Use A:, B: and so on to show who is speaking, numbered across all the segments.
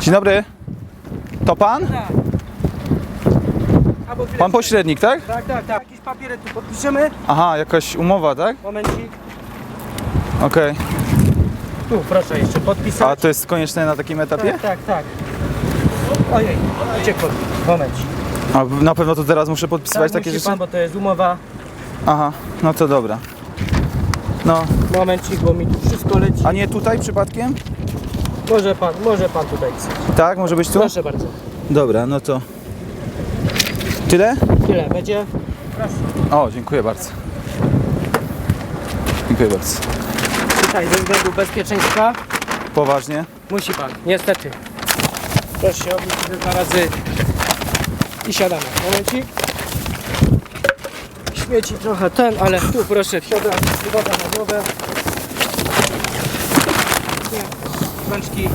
A: Dzień dobry. To pan?
B: Tak.
A: Pan pośrednik, tak?
B: Tak. Jakieś papiery tu podpiszemy.
A: Aha, jakaś umowa, tak?
B: Momencik.
A: Okej.
B: Tu proszę jeszcze podpisać.
A: A to jest konieczne na takim etapie?
B: Tak. Ojej, uciekło. Momencik.
A: A na pewno to teraz muszę podpisywać takie
B: musi
A: rzeczy?
B: pan, bo to jest umowa.
A: Aha, no to dobra. No,
B: Momencik, bo mi tu wszystko leci.
A: a nie tutaj przypadkiem?
B: Może pan tutaj pisać.
A: Tak, może być tu?
B: Proszę bardzo.
A: Dobra, no to... Tyle?
B: Tyle będzie. Proszę.
A: O, dziękuję bardzo. Dziękuję bardzo.
B: Tutaj ze względu bezpieczeństwa
A: Poważnie?
B: musi pan, niestety. Proszę się obrócić 2 razy i siadamy. Momencik. Śmieci trochę ale tu proszę wsiadam, woda na głowę. Nie, rączki.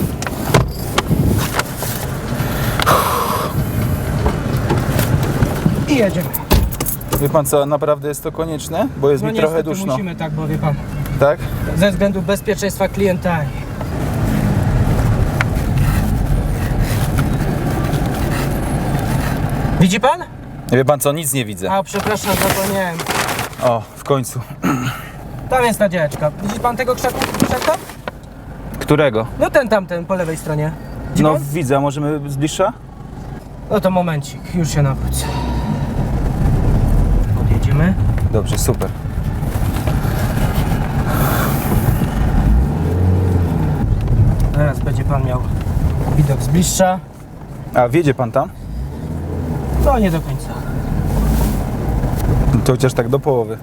B: I jedziemy.
A: Wie pan co, naprawdę jest to konieczne? Bo jest mi trochę
B: niestety
A: duszno.
B: musimy tak, bo wie pan,
A: Tak?
B: ze względu bezpieczeństwa klienta. Widzi pan?
A: Wie pan co, nic nie widzę.
B: A, przepraszam, zapomniałem.
A: O, w końcu.
B: Tam jest ta działeczka. Widzi pan tego krzaka?
A: Którego?
B: No tamten po lewej stronie. Widzi
A: No
B: pan?
A: widzę, a możemy z bliższa?
B: No to momencik, już się nawrócę. Odjedziemy.
A: Dobrze, super.
B: Teraz będzie pan miał widok z bliższa.
A: A wiedzie pan tam?
B: No nie do końca.
A: To chociaż tak do połowy.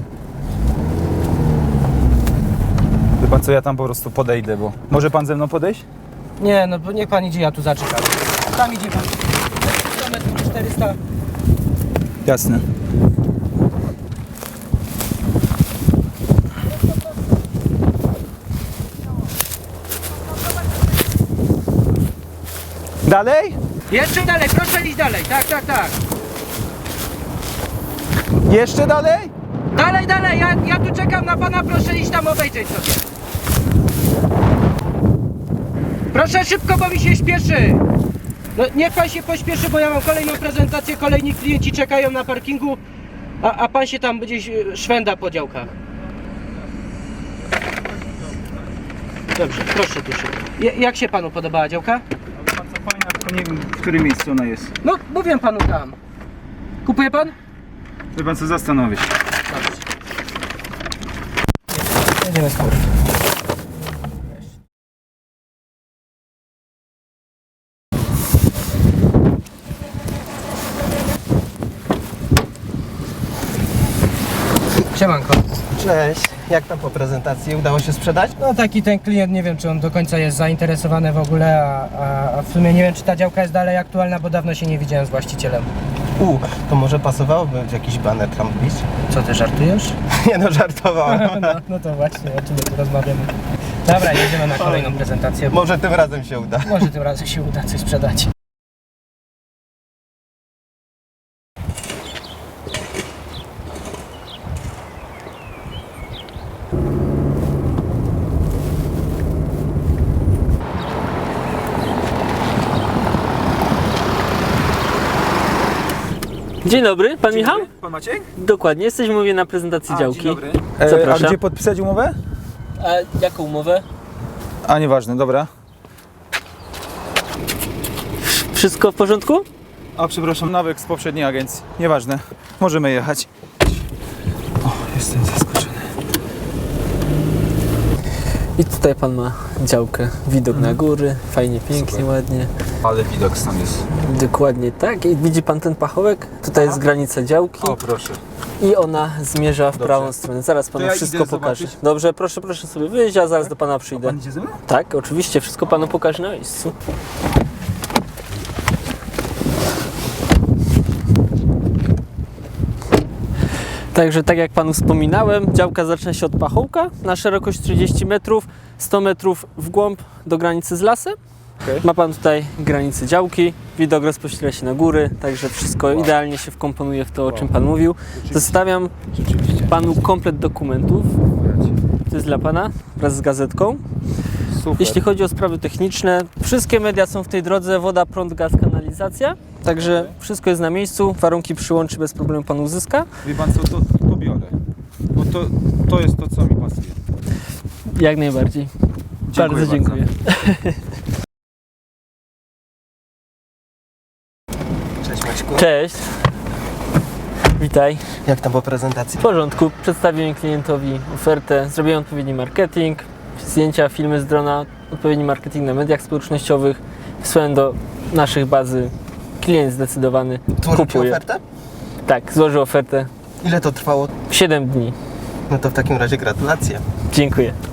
A: Wie pan co, ja tam po prostu podejdę, bo... Może pan ze mną podejść?
B: Nie, no bo niech pan idzie, ja tu zaczekam. Tam idzie pan. 100 metrów, 400.
A: Jasne. Dalej?
B: Jeszcze dalej, proszę iść dalej. Tak.
A: Jeszcze dalej?
B: Dalej, ja tu czekam na pana, proszę iść tam obejrzeć sobie. Proszę szybko, bo mi się śpieszy. No, niech pan się pośpieszy, bo ja mam kolejną prezentację, kolejni klienci czekają na parkingu, a pan się tam gdzieś szwenda po działkach. Dobrze, proszę tu szybko. Jak się panu podobała działka?
A: Bardzo fajna, tylko nie wiem, w którym miejscu ona jest.
B: No, mówię panu tam. Kupuje pan?
A: Wie pan co, zastanowię się.
B: Dobrze. Jedziemy z góry. Siemanko.
C: Cześć, jak tam po prezentacji? Udało się sprzedać?
B: No taki ten klient, nie wiem czy on do końca jest zainteresowany w ogóle, a w sumie nie wiem czy ta działka jest dalej aktualna, bo dawno się nie widziałem z właścicielem.
C: To może pasowałoby jakiś baner tam wbić?
B: Co ty żartujesz?
C: Nie no, żartowałem.
B: No to właśnie, o czym my tu rozmawiamy. Dobra, jedziemy na kolejną prezentację.
C: Może tym razem się uda.
B: Może tym razem się uda coś sprzedać.
D: Dzień dobry, pan Michał?
A: Pan Maciek?
D: Dokładnie, jesteśmy mówię na prezentacji działki.
A: Dzień dobry. A
D: Zapraszam.
A: gdzie podpisać umowę?
D: A jaką umowę?
A: A nieważne, dobra.
D: Wszystko w porządku?
A: A przepraszam, nawyk z poprzedniej agencji. Nieważne, możemy jechać. O, jestem zaskoczony.
D: I tutaj pan ma działkę, widok na góry, fajnie, pięknie,
A: Super.
D: ładnie.
A: Ale widok tam jest.
D: Dokładnie tak. I widzi pan ten pachołek? Tutaj jest granica działki
A: O, proszę.
D: i ona zmierza w
A: Dobrze.
D: prawą stronę. Zaraz panu
A: ja
D: wszystko
A: idę
D: pokażę.
A: zobaczyć.
D: Dobrze, proszę sobie wyjść, a zaraz do pana przyjdę.
A: Pan idzie ze mną?
D: Tak, oczywiście, wszystko panu pokażę na miejscu. Także tak jak panu wspominałem, działka zaczyna się od pachołka na szerokość 30 metrów, 100 metrów w głąb do granicy z lasem.
A: Okay.
D: Ma pan tutaj granicę działki, widok rozpościera się na góry, także wszystko idealnie się wkomponuje w to, o czym pan mówił. Zostawiam
A: Rzeczywiście.
D: panu komplet dokumentów, to jest dla pana wraz z gazetką.
A: Super.
D: Jeśli chodzi o sprawy techniczne, wszystkie media są w tej drodze, woda, prąd, gaz, kanalizacja. Także wszystko jest na miejscu, warunki przyłączy bez problemu pan uzyska.
A: Wie pan co, to biorę. Bo to jest to, co mi pasuje.
D: Jak najbardziej. Bardzo dziękuję.
C: Cześć Maćku.
D: Cześć. Witaj.
C: Jak tam po prezentacji?
D: W porządku, przedstawiłem klientowi ofertę, zrobiłem odpowiedni marketing, zdjęcia, filmy z drona, odpowiedni marketing na mediach społecznościowych, wysłałem do naszych bazy, klient zdecydowany
C: Złożył ci
D: kupuje.
C: ofertę?
D: Tak, złożył ofertę
C: Ile to trwało?
D: 7 dni.
C: No to w takim razie gratulacje.
D: Dziękuję.